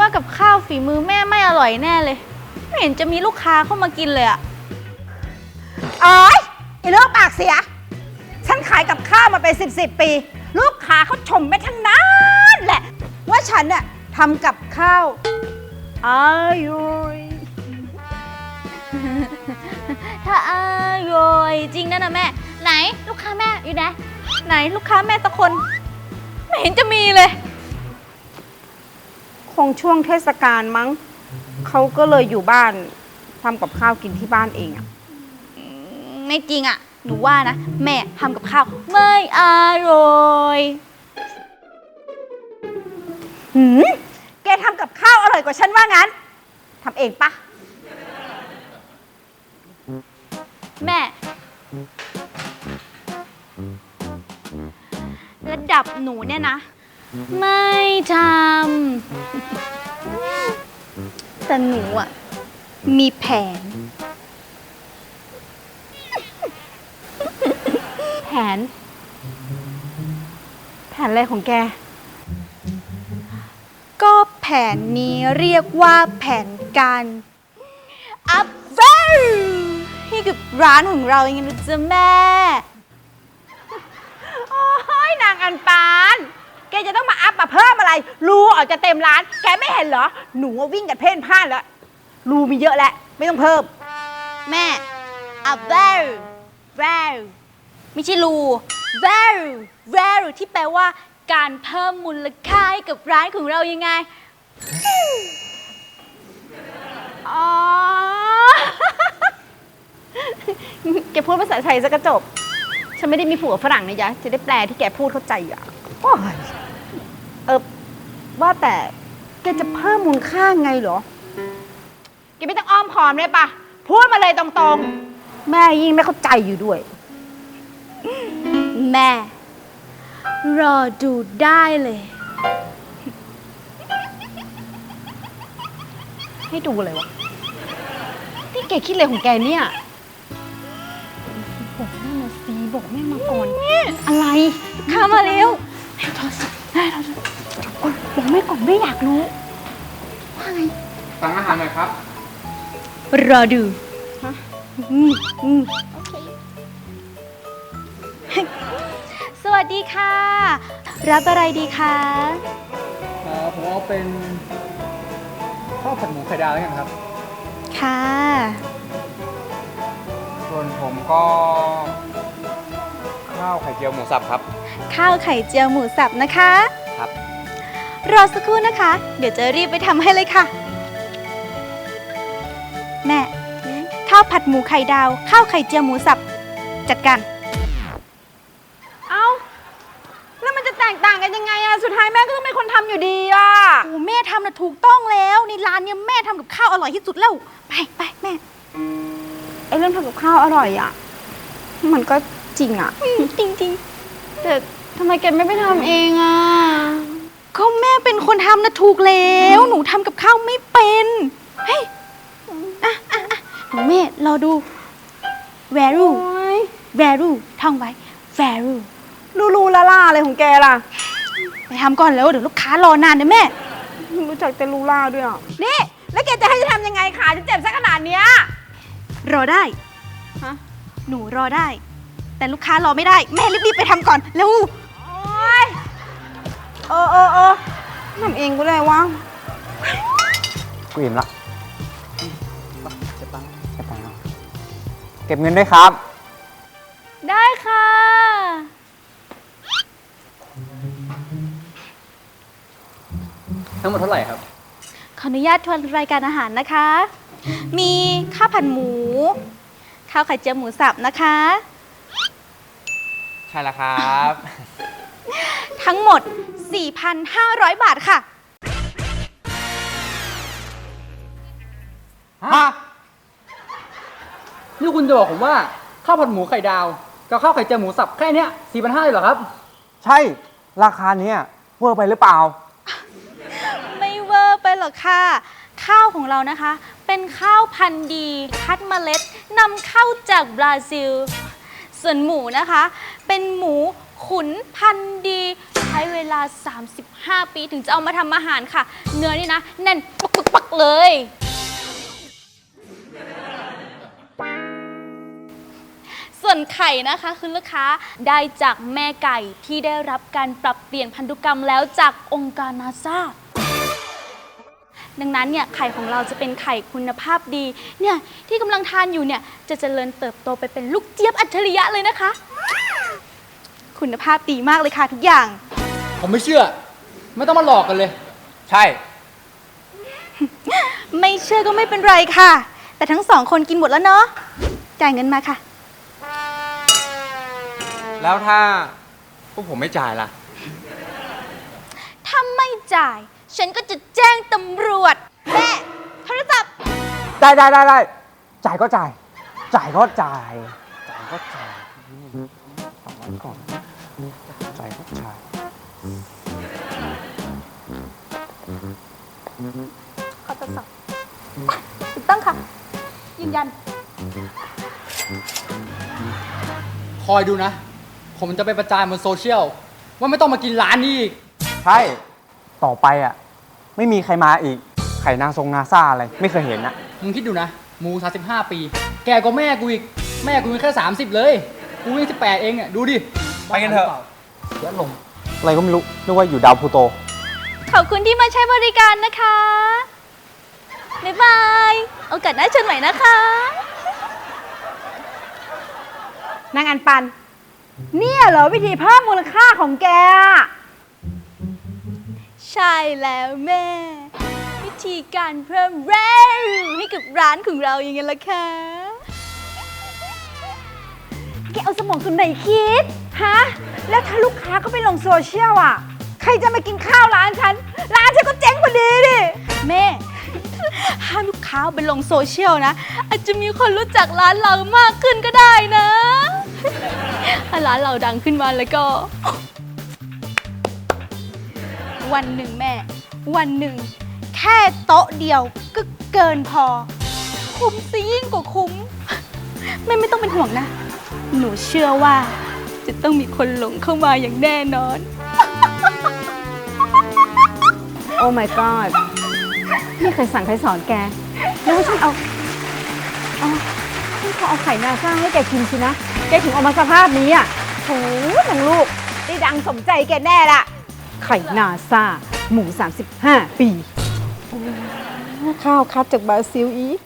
ว่ากับข้าวฝีมือแม่ไม่อร่อยแน่เลยไม่เห็นจะมีลูกค้าเข้ามากินเลยอะอ๋อยไอ้เรื่องปากเสียฉันขายกับข้าวมาเป็น10 ปี ลูกค้าเขาชมไม่ทั้งนั้นแหละว่าฉันน่ะทำกับข้าวอร่อยถ้าอร่อยจริงนะแม่ไหนลูกค้าแม่อยู่ไหนลูกค้าแม่สักคนไม่เห็นจะมีเลยคงช่วงเทศกาลมั้งเขาก็เลยอยู่บ้านทำกับข้าวกินที่บ้านเองอะไม่จริงอะหนูว่านะแม่ทำกับข้าวไม่อร่อยแกทำกับข้าวอร่อยกว่าฉันว่างั้นทำเองปะแม่ระดับหนูเนี่ยนะไม่ทำแต่หนูอะมีแผนแผนอะไรของแกก็แผนนี้เรียกว่าแผนการอัพเวลให้กับร้านของเราอย่างนี้นะจ๊ะแม่โอ้ยนางอันปานแกจะต้องมาอัพมาเพิ่มอะไรรูออกจะเต็มร้านแกไม่เห็นเหรอหนูวิ่งกันเพ่นพ่านแล้วรูมีเยอะแล้วไม่ต้องเพิ่มแม่อัพเวลไม่ใช่รูเวลที่แปลว่าการเพิ่มมูลค่าให้กับร้านของเรายังไงอ๋อ แกพูดภาษาไทยซะกระจบฉันไม่ได้มีผัวฝรั่งนะยะจะได้แปลที่แกพูดเข้าใจอ่ะว่าแต่แกจะเพิ่มมูลค่าไงเหรอแกไม่ต้องอ้อมค้อมเลยปะพูดมาเลยตรงๆแม่ยิ่งไม่เข้าใจอยู่ด้วยแม่รอดูได้เลยให้ดูเลยวะนี่แกคิดอะไรของแกเนี่ยบอกแม่มาสิบอกแม่มาก่อนอะไรเข้ามาเร็วให้โทรศัพท์ให้โทรศัพท์บอกแม่ก่อนไม่อยากรู้ว่าไงสั่งอาหารหน่อยครับรอดูโอเคสวัสดีค่ะรับอะไรดีคะผมเอาเป็นข้าวผัดหมูไข่ดาวแล้วกันครับค่ะส่วนผมก็ข้าวไข่เจียวหมูสับครับข้าวไข่เจียวหมูสับนะคะครับรอสักครู่นะคะเดี๋ยวจะรีบไปทำให้เลยค่ะแม่ข้าวผัดหมูไข่ดาวข้าวไข่เจียวหมูสับจัดการแล้วมันจะแตกต่างกันยังไงอะสุดท้ายแม่ก็ต้องเป็นคนทำอยู่ดีอะโอ้แม่ทำน่ะถูกต้องแล้วในร้านเนี้ยแม่ทำกับข้าวอร่อยที่สุดแล้วไปแม่ไอเรื่องทำกับข้าวอร่อยอะมันก็จริงอะจริงแต่ทำไมแกไม่ไปทำเองอะก็แม่เป็นคนทำน่ะถูกแล้วหนูทำกับข้าวไม่เป็นเฮ้ยแม่รอดู value ท่องไว้ value ลูล่าอะไรของแกล่ะไปทำก่อนแล้วเดี๋ยวลูกค้ารอนานนะแม่รู้จักแต่ลูล่าด้วยอ่ะนี่แล้วแกจะให้ฉันทำยังไงขาฉันเจ็บซะขนาดเนี้ยรอได้ฮะหนูรอได้แต่ลูกค้ารอไม่ได้แม่รีบๆไปทำก่อนเร็วโอ๊ยทำเองก็ได้วะกูอิ่มละเก็บตังค์เก็บเงินด้วยครับได้ค่ะทั้งหมดเท่าไหร่ครับขออนุญาตทวนรายการอาหารนะคะมีข้าวผัดหมูข้าวไข่เจียวหมูสับนะคะใช่แล้วครับทั้งหมด 4,500 บาทค่ะฮะนี่คุณจะบอกผมว่าข้าวผัดหมูไข่ดาวกับข้าวไข่เจียวหมูสับแค่นี้ 4,500 เลยเหรอครับใช่ราคาเนี้ยเวอร์ไปหรือเปล่าไม่เวอร์ไปหรอกค่ะข้าวของเรานะคะเป็นข้าวพันธุ์ดีคัดเมล็ดนำเข้าจากบราซิลส่วนหมูนะคะเป็นหมูขุนพันธุ์ดีคัช้เวลา 35 ปีถึงจะเอามาทำอาหารค่ะ เนื้อนี่นะแน่นปักๆเลยส่วนไข่นะคะคือลูกค้าได้จากแม่ไก่ที่ได้รับการปรับเปลี่ยนพันธุกรรมแล้วจากองค์การนาซาดังนั้นเนี่ยไข่ของเราจะเป็นไข่คุณภาพดีเนี่ยที่กำลังทานอยู่เนี่ยจะเจริญเติบโตไปเป็นลูกเจี๊ยบอัจฉริยะเลยนะคะ คุณภาพดีมากเลยค่ะทุกอย่างผมไม่เชื่อ ไม่ต้องมาหลอกกันเลย ใช่ไม่เชื่อก็ไม่เป็นไรค่ะ แต่ทั้งสองคนกินหมดแล้วเนาะจ่ายเงินมาค่ะแล้วถ้าพวกผมไม่จ่ายล่ะถ้าไม่จ่าย ฉันก็จะแจ้งตำรวจแม่โทรศัพท์ได้จ่ายก็จ่าย จ่ายก็จ่าย จ่ายก็จ่ายฟังไว้ก่อน จ่ายก็จ่ายขอตรวจสอบถูกต้องค่ะ ยืนยันคอยดูนะ ผมจะไปประจานบนโซเชียล ว่าไม่ต้องมากินร้านนี้อีก ใช่ ต่อไปอ่ะ ไม่มีใครมาอีก ไข่นางทรงนาซ่าอะไร ไม่เคยเห็นนะ มึงคิดดูนะ หมู35 ปี แกก็แม่กูอีก แม่กูยังแค่30 เลย กูยัง18เองอ่ะ ดูดิ ไปกันเถอะเดี๋ยวลง อะไรก็ไม่รู้ นึกว่าอยู่ดาวพลูโตขอบคุณที่มาใช้บริการนะคะ บ๊ายบาย โอกาสหน้าเชิญใหม่นะคะนางอันปัน เนี่ยเหรอวิธีเพิ่มมูลค่าของแกอะใช่แล้วแม่ วิธีการเพิ่มแรงให้กับร้านของเราอย่างไงล่ะคะแกเอาสมองส่วนไหนคิด ฮะ แล้วถ้าลูกค้าเขาไปลงโซเชียลอ่ะ ใครจะมากินข้าวร้านฉัน ร้านฉันก็เจ๊งพอดีดิแม่ ห้ามลูกค้าเอาไปลงโซเชียลนะ อาจจะมีคนรู้จักร้านเรามากขึ้นก็ได้นะ ถ้าร้านเราดังขึ้นมาแล้วก็ วันหนึ่งแม่ วันหนึ่ง แค่โต๊ะเดียวก็เกินพอ คุ้มซะยิ่งกว่าคุ้ม แม่ไม่ต้องเป็นห่วงนะ หนูเชื่อว่า จะต้องมีคนหลงเข้ามาอย่างแน่นอนโอ้ my god นี่ใครสั่งใครสอนแก แล้วว่าฉันขอเอาไข่นาซ่าให้แกกินสินะ แกถึงออกมาสภาพนี้อ่ะโถ่นางลูก ได้ดังสมใจแกแน่ละไข่นาซ่า หมู 35 ปี ข้าวคัดจากบราซิลอีก